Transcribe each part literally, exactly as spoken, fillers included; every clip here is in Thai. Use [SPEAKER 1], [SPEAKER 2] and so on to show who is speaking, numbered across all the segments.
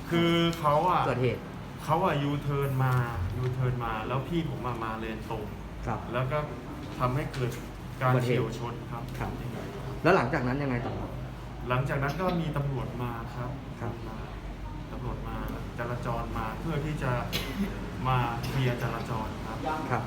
[SPEAKER 1] คือเขาอ่ะ
[SPEAKER 2] เกิดเหตุ
[SPEAKER 1] เขาอ่ะยูเทิร์นมายูเทิร์นมาแล้วพี่ผมมามาเลนตรง
[SPEAKER 2] ครับ
[SPEAKER 1] แล้วก็ทำให้เกิดการ
[SPEAKER 2] อุบัติเหตุ
[SPEAKER 1] เฉียวชนครับ
[SPEAKER 2] ครับ แล้วหลังจากนั้นยังไงต่อครับ
[SPEAKER 1] หลังจากนั้นก็มีตำรวจมาครับ
[SPEAKER 2] ครับ
[SPEAKER 1] มาตำรวจมาจราจรมาเพื่อที่จะมาเคลียร์จราจรครับ
[SPEAKER 2] ครับ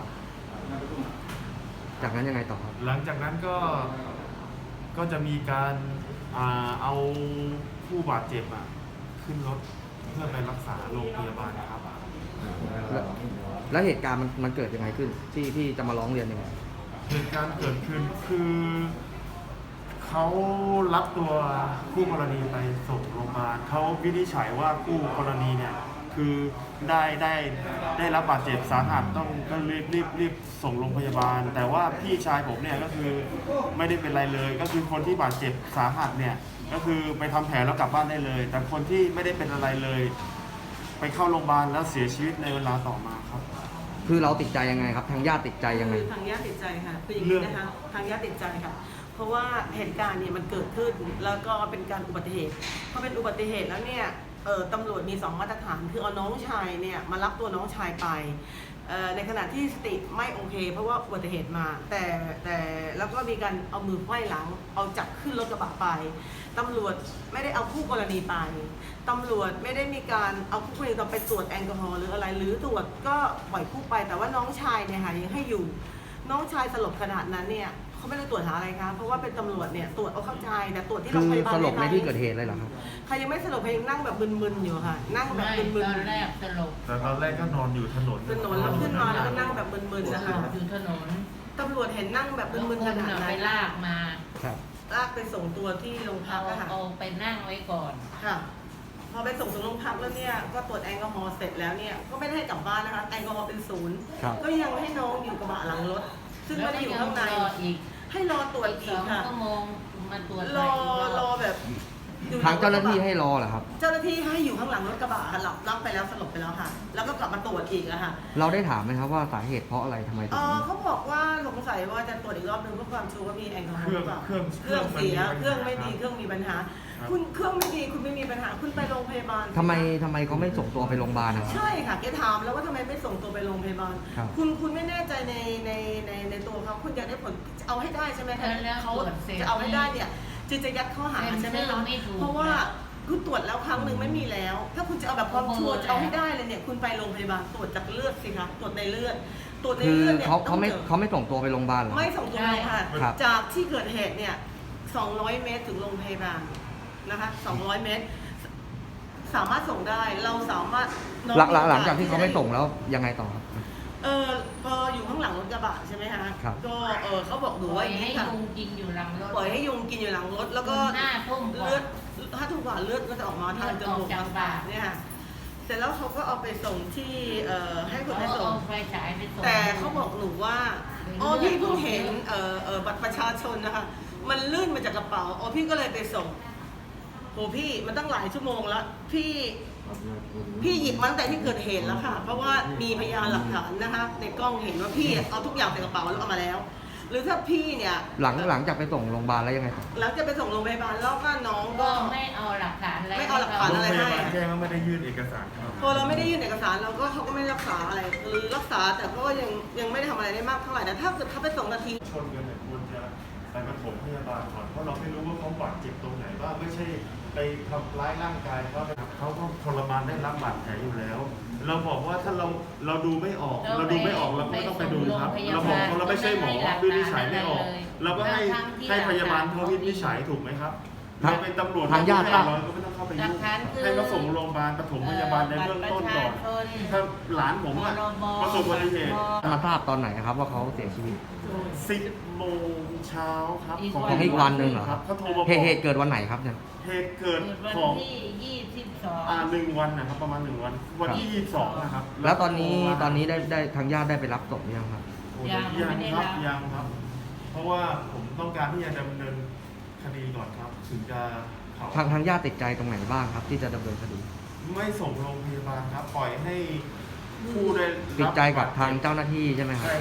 [SPEAKER 2] จากนั้นยังไงต่อครับ
[SPEAKER 1] หลังจากนั้นก็ก็จะมีการอ่าเอาผู้บาดเจ็บอ่ะขึ้นรถเพื่อไปรักษาโรงพยาบาลครับ
[SPEAKER 2] แล้วแล้วเหตุการณ์มันมันเกิดยังไงขึ้น ที่ที่จะมาร้องเรียนยังไง
[SPEAKER 1] เหตุการณ์เกิดขึ้นคือเขารับตัวคู่กรณีไปส่งโรงพยาบาลเขาวินิจฉัยว่าคู่กรณีเนี่ยคือได้ได้ได้รับบาดเจ็บสาหัสต้องก็รีบรีบรีบส่งโรงพยาบาล แต่ว่าพี่ชายผมเนี่ยก็คือไม่ได้เป็นไรเลย ก็คือคนที่บาดเจ็บสาหัสเนี่ยก็คือไปทำแผลแล้วกลับบ้านได้เลย แต่คนที่ไม่ได้เป็นอะไรเลย ไปเข้าโรงพยาบาลแล้วเสียชีวิตในเวลาต่อมาครับ
[SPEAKER 2] คือเราติดใจยังไงครับ ทางญาติติดใจยังไง
[SPEAKER 3] คือทางญาติติดใจค่ะคืออย่างนี้นะคะทางญาติติดใจค่ะ เพราะว่าเหตุการณ์เนี่ยมันเกิดขึ้นแล้วก็เป็นการอุบัติเหตุพอเป็นอุบัติเหตุแล้วเนี่ยเออตำรวจมีสองมาตรฐานคือเอาน้องชายเนี่ยมารับตัวน้องชายไปเอ่อในขณะที่สติไม่โอเค เพราะว่าอุบัติเหตุมา แต่แต่แล้วก็มีการเอามือไขว้หลังเอาจับขึ้นรถกระบะไปตำรวจไม่ได้เอาคู่กรณีไปตำรวจไม่ได้มีการเอาคู่กรณีไปตรวจแอลกอฮอล์หรืออะไรหรือตรวจก็ปล่อยคู่ไป แต่ว่าน้องชายเนี่ยค่ะยังให้อยู่น้องชายสลบขนาดนั้นเนี่ยเขาไม่ได้ตรวจหาอะไรคะเพราะว่าเป็นตำรวจเนี่ยตรวจเอาเข้าใจแต่ตรวจที่
[SPEAKER 2] คื
[SPEAKER 3] โรง
[SPEAKER 2] อ
[SPEAKER 3] พยาบาล
[SPEAKER 2] สลบใน
[SPEAKER 3] ไม่ได้
[SPEAKER 2] ที่เกิดเหตุเลยเหรอครับ
[SPEAKER 3] ใครยังไม่สลบใครยังนั่งแบบมึนๆอยู่ค่ะนั่งแบบ
[SPEAKER 4] ไม่
[SPEAKER 3] มึน
[SPEAKER 4] ตอนแรกสลบ
[SPEAKER 1] แต่ตอนแรกก็นอนอยู่ถนน
[SPEAKER 3] ๆถนนแล้วขึ้นมาแล้วก็นั่งแบบมึนๆนะคะ
[SPEAKER 4] อยู่ถนน
[SPEAKER 3] ตำรวจเห็นนั่งแบบ
[SPEAKER 4] แล้ว
[SPEAKER 3] มึน
[SPEAKER 4] ค
[SPEAKER 3] ๆข
[SPEAKER 4] น
[SPEAKER 3] นาด
[SPEAKER 4] น่ะ
[SPEAKER 3] นั้
[SPEAKER 4] ไป
[SPEAKER 3] น
[SPEAKER 4] ลากมา
[SPEAKER 2] ครับ
[SPEAKER 3] ลากไปส่งตัวที่โรงพั
[SPEAKER 4] เอา
[SPEAKER 3] กอะค่ะ
[SPEAKER 4] เอาไปนั่งไว้ก่อน
[SPEAKER 3] ค่ะพอไปส่งถึงโรงพักแล้วเนี่ยก็ตรวจแอลกอฮอล์เสร็จแล้วเนี่ยก็ไม่ได้ให้กลับบ้านนะคะแอลกอฮอล์เป็นศูนย์
[SPEAKER 2] ครับ
[SPEAKER 3] ก็ยังให้น้องอยู่กระบะหลังรถ ซึ่ง
[SPEAKER 4] แล้
[SPEAKER 3] ไม่
[SPEAKER 4] ว
[SPEAKER 3] ได้
[SPEAKER 4] ก็
[SPEAKER 3] อยู่
[SPEAKER 4] ยั
[SPEAKER 3] ข้างใน
[SPEAKER 4] รออีก
[SPEAKER 3] ให้รอตรวจ
[SPEAKER 4] อีก
[SPEAKER 3] อี
[SPEAKER 4] ส
[SPEAKER 3] ก
[SPEAKER 4] อง
[SPEAKER 3] ค่ะ
[SPEAKER 4] ชั่วโมงมาตรวจ
[SPEAKER 3] ร
[SPEAKER 4] ใหม่
[SPEAKER 3] อ
[SPEAKER 4] อีกร
[SPEAKER 3] ร
[SPEAKER 4] อ
[SPEAKER 3] อบ แบบอยู่
[SPEAKER 2] ทางเจ้าหน้าที่ให้รอเหรอครับ
[SPEAKER 3] เจ้าหน้าที่ให้อยู่ข้างหลังรถกระบะค่ะหลับรับไปแล้วสลบไปแล้วค่ะ แล้วก็กลับมาตรวจอีกอะค่ะ
[SPEAKER 2] เราได้ถามไหมครับว่าสาเหตุเพราะอะไรทำไมถึ
[SPEAKER 3] เอง อเขาบอกว่าสงสัยว่าจะตรวจอีกรอบนึงเพื่อความชัวร์ว่ามีแอลกอฮอล์หรือเปล่า
[SPEAKER 1] เครื่อง
[SPEAKER 3] เครื่องเสีย
[SPEAKER 1] เค
[SPEAKER 3] เค
[SPEAKER 1] รื่
[SPEAKER 3] รื่
[SPEAKER 1] อ
[SPEAKER 3] อง ง
[SPEAKER 1] ไม่
[SPEAKER 3] ไม่
[SPEAKER 1] ดี
[SPEAKER 3] ดีเครื่องมีปัญหา
[SPEAKER 1] ครับ
[SPEAKER 3] คุณเครื่องไม่ดีคุณไม่มีปัญหาคุณไปโรงพยาบาล
[SPEAKER 2] ทำไมทำไมเขาไม่ส่งตัวไปโรงพยาบาลนะครับ
[SPEAKER 3] ใช่ค่ะแกถามแล้วว่าทำไมไม่ส่งตัวไปโรงพยาบาล
[SPEAKER 2] ครับ
[SPEAKER 3] คุณคุณไม่แน่ใจในในในในตัวเขาคุณอยากได้ผลเอาให้ได้ใช่ไหมคะ
[SPEAKER 4] แล้ว
[SPEAKER 3] เขา
[SPEAKER 4] ตรวจเสร็จ
[SPEAKER 3] จะเอาให้ได้เนี่ยจึงจะยัดข้อหาใช่ไหม
[SPEAKER 4] เซ็นเซอ
[SPEAKER 3] คะ
[SPEAKER 4] ร์ไม่ถูก
[SPEAKER 3] เพราะว่าคุณตรวจแล้วครั้งหนึ่งไม่มีแล้ว ถ้าคุณจะเอาแบบความชัวร์จะเอาให้ได้เลยเนี่ยคุณไปโรงพยาบาลตรวจจากเลือดสิคะตรวจในเลือดตรวจใน
[SPEAKER 2] คือ
[SPEAKER 3] เลือดเนี่ย
[SPEAKER 2] เขาเขาไม่
[SPEAKER 3] ต้องจอ
[SPEAKER 2] เขาไม่ส่งตัวไปโรงพยาบาลเหรอ
[SPEAKER 3] ไม่ส่งตัวเลยค่ะ
[SPEAKER 2] ครับ
[SPEAKER 3] จากที่เกิดเหตุเนี่ยสองร้อยเมตรถึงโรงพยาบาลนะคะสองร้อยเมตร สามารถส่งได้เราสามารถน้อง
[SPEAKER 2] หลังหลัง
[SPEAKER 3] โอกส
[SPEAKER 2] หลังจากที่เขาไม่ส่งแล้วยังไงต่อครับ
[SPEAKER 3] เออพออยู่ข้างหลังรถกระบะใช่ไหมคะ
[SPEAKER 2] ครับ
[SPEAKER 3] ก็เออเขาบอกหนู
[SPEAKER 4] ปล่
[SPEAKER 3] ว่า
[SPEAKER 4] อย
[SPEAKER 3] อย่าง
[SPEAKER 4] ให้
[SPEAKER 3] นี้ค่ะ
[SPEAKER 4] ยุงกินอยู่หลังรถ
[SPEAKER 3] ปล่อยให้ยุงกินอยู่หลังรถแล้วก็
[SPEAKER 4] หน้าทุ่มกว่า
[SPEAKER 3] เลือดถ้าทุ่มกว่าเลือดก็จะออกมาทางจมูก
[SPEAKER 4] เลือดออกจากปาก
[SPEAKER 3] เนี่ยค่ะเสร็จแล้วเขาก็เอาไปส่งที่เอ่อให้คนไป
[SPEAKER 4] เอา
[SPEAKER 3] ส่ง
[SPEAKER 4] เอาไฟฉายไปส่ง
[SPEAKER 3] แต่เขาบอกหนูว่า
[SPEAKER 4] เป็น
[SPEAKER 3] อ๋อ
[SPEAKER 4] เลือด
[SPEAKER 3] พี่เพิ่ง
[SPEAKER 4] ออก
[SPEAKER 3] เห็น
[SPEAKER 4] เยอะ
[SPEAKER 3] เอ่อเอ่อบัตรประชาชนนะคะ มันลื่นมาจากกระเป๋าอ๋อพี่ก็เลยไปส่งโหพี่มันตั้งหลายชั่วโมงแล้วพี่พี่หยิบมาตั้งแต่ที่เกิดเหตุแล้วค่ะ เพราะว่ามีพยานหลักฐานนะคะ ในกล้องเห็นว่าพี่เอาทุกอย่างใส่กระเป๋าแล้วเอามาแล้ว หรือถ้าพี่เนี่ย
[SPEAKER 2] หลังหลังจากไปส่งโรงพยาบาลแล้วยังไงต่อ
[SPEAKER 3] หลังจะไปส่งโรงพยาบาลแล้วก็น้อง
[SPEAKER 4] ก็
[SPEAKER 3] ก็
[SPEAKER 4] ไม่เอาหลักฐานอะไร
[SPEAKER 3] ไม่เอาหลักฐาน
[SPEAKER 1] โรง
[SPEAKER 3] อะไร
[SPEAKER 1] พ
[SPEAKER 3] ให้
[SPEAKER 1] ยาบาลแจ้งว่าไม่ได้ยื่นเอกสารครับ
[SPEAKER 3] พอเราไม่ได้ยื่นเอกสารเราก็เขาก็ไม่รักษาอะไรหรือรักษาแต่ก็ยังยังไม่ได้ทำอะไรได้มากเท่าไหร่แต่ถ้าเกิดเขาไปส่งนาที
[SPEAKER 1] ชนกันเนี่ยควรจะไปปฐมพยาบาลก่อนเพราะเราไม่รู้ว่าเขาบาดเจ็บตรงไหนบ้างไม่ใช่ไปทำร้ายร่างกายเขานะครับเขาก็ทรมานได้รับบาดแผลอยู่แล้ว เราบอกว่าถ้าเราเราดูไม่ออก เราดูไม่ออกเราก็ไม่ต้องไปดูครับ เราบอกว่าเราไม่ใช่หมอวินิจฉัยไม่ออก เราก็ให้ให้พยาบาลเขาวินิจฉัยถูกไหมครับ
[SPEAKER 2] ทาง
[SPEAKER 1] เราเป็นตำรวจ
[SPEAKER 2] ทางญาติ
[SPEAKER 1] เราก็ไม่ต้องเข้าไป
[SPEAKER 4] หลั
[SPEAKER 1] ยุ่
[SPEAKER 4] ก
[SPEAKER 1] ง
[SPEAKER 4] ฐานคือ
[SPEAKER 1] ให้เขาส่งโรงพยาบาลปฐมพยาบาลในเบื้องต้นก่อน ถ้าหลานผมอะประสบอุบัติเหตุ
[SPEAKER 2] มาทราบตอนไหนครับว่าเขาเสียชีวิต
[SPEAKER 1] สิบโมงเช้าครับ
[SPEAKER 4] อีก
[SPEAKER 2] ของอีกวันหนึ่งเหรอ
[SPEAKER 1] ครับเขาโทรมาบ
[SPEAKER 2] เห
[SPEAKER 1] อก
[SPEAKER 2] ตุเหตุเกิดวันไหนครับเนี่ย
[SPEAKER 1] เหตุเกิด
[SPEAKER 4] เกิดวัน
[SPEAKER 1] ของ
[SPEAKER 4] ที่ยี่สิบสอง
[SPEAKER 1] อ่าหนึ่งวันนะครับประมาณหนึ่งวัน วันที่ยี่สิบสองนะครับ
[SPEAKER 2] แล้วตอนนี้ตอนนี้ได้ได้ทางญาติได้ไปรับศพหรือยังครับ
[SPEAKER 1] โอ้ยยังครับยังครับ เพราะว่าผมต้องการที่จะดำเนินคดีก่อนครับ ถึงจะเขา
[SPEAKER 2] ทางทางญาติติดใจตรงไหนบ้างครับ ที่จะดำเนินคดี
[SPEAKER 1] ไม่ส่งโรงพยาบาลครับ ปล่อยให้ผู้ได้รับ
[SPEAKER 2] ติดใจกับทางเจ้าหน้าที่ใช่ไหมครับ
[SPEAKER 1] ใช่ครับ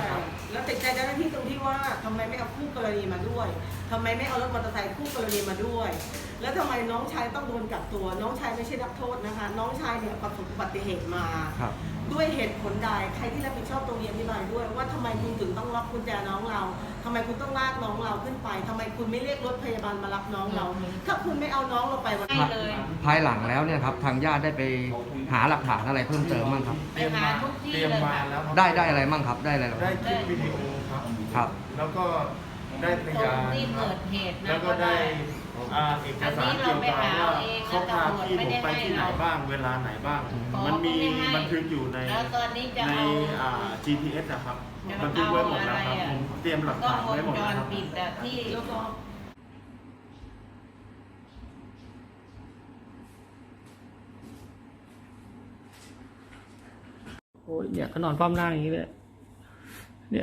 [SPEAKER 3] แล้วติดใจเจ้าหน้าที่ตรงที่ว่าทำไมไม่เอาคู่กรณีมาด้วยทำไมไม่เอารถมอเตอร์ไซค์คู่กรณีมาด้วย แล้วทำไมน้องชายต้องโดนกักตัว น้องชายไม่ใช่นักโทษนะคะ น้องชายเนี่ยประสบอุบัติเหตุมา
[SPEAKER 2] ครับ
[SPEAKER 3] ด้วยเหตุผลใดใครที่รับผิดชอบตรงนี้อธิบายด้วย ว่าทำไมคุณถึงต้องล็อกกุญแจน้องเราทำไมคุณต้องลากน้องเราขึ้นไปทำไมคุณไม่เรียกรถพยาบาลมารับน้องเรา ถ้าคุณไม่เอาน้องเราไปวัน
[SPEAKER 4] ให้
[SPEAKER 3] นี้
[SPEAKER 4] เลย
[SPEAKER 2] ภายหลังแล้วเนี่ยครับทางญาติได้ไปหาหลักฐานอะไรเพิ่มเติมบ้างครับ
[SPEAKER 1] เตรียมมา
[SPEAKER 4] ไปหาทุกที่
[SPEAKER 1] เตรียม
[SPEAKER 4] เลย
[SPEAKER 1] มา
[SPEAKER 4] ค่ะ
[SPEAKER 1] แล้วครับ
[SPEAKER 2] ได้ได้อะไรบ้างครับได้อะไรบ้าง
[SPEAKER 1] ได้คลิปวิดีโอครับ
[SPEAKER 2] ครับ
[SPEAKER 1] แล้วก็ได้พ
[SPEAKER 4] ตร
[SPEAKER 1] ยาง น
[SPEAKER 4] ที่
[SPEAKER 1] ครั
[SPEAKER 4] เกิ
[SPEAKER 1] บ
[SPEAKER 4] ดเหตุนะ
[SPEAKER 1] แล้วก็ได้อ่าเอกสารเกี่ยวกับว่าเขาพาพี่ผมไปที่ไหนบ้างเวลาไหนบ้าง มันมีบันทึกอยู่ใน
[SPEAKER 4] แล้วตอนนี้จะ
[SPEAKER 1] ใน
[SPEAKER 4] เอา
[SPEAKER 1] อ่า จี พี เอส นะครับ
[SPEAKER 4] จะ
[SPEAKER 1] บันทึกไว้หมดแล้วครับ
[SPEAKER 4] เอาอะไร
[SPEAKER 1] ผ
[SPEAKER 4] อ่ะ
[SPEAKER 1] มเตรียมหลัก
[SPEAKER 4] กล้อ
[SPEAKER 1] ฐาง น
[SPEAKER 4] วง
[SPEAKER 1] ไว้หมด
[SPEAKER 4] จ
[SPEAKER 1] แล้ว
[SPEAKER 4] ร
[SPEAKER 1] ครับ
[SPEAKER 4] ปิดอะที่
[SPEAKER 3] แล้วก็
[SPEAKER 5] โอ้ยเนี่ยก็นอนคว่ำหน้าอย่างนี้เลยเนี่ย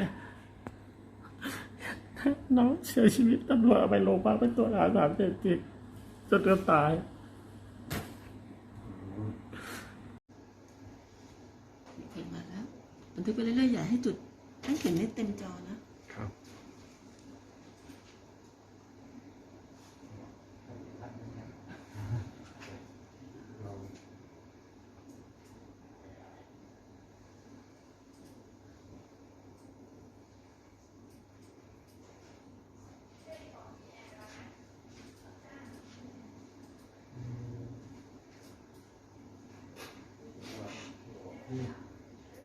[SPEAKER 5] น้องเสียชีวิตตำรวจเอาไปโรงพยาบาลไปตรวจหาสารเสพติดจนเกือบตาย
[SPEAKER 3] โอเคมาแล้วบันทึกไปเรื่อยๆอย่าให้จุดให้เห็นได้เต็มจอนะ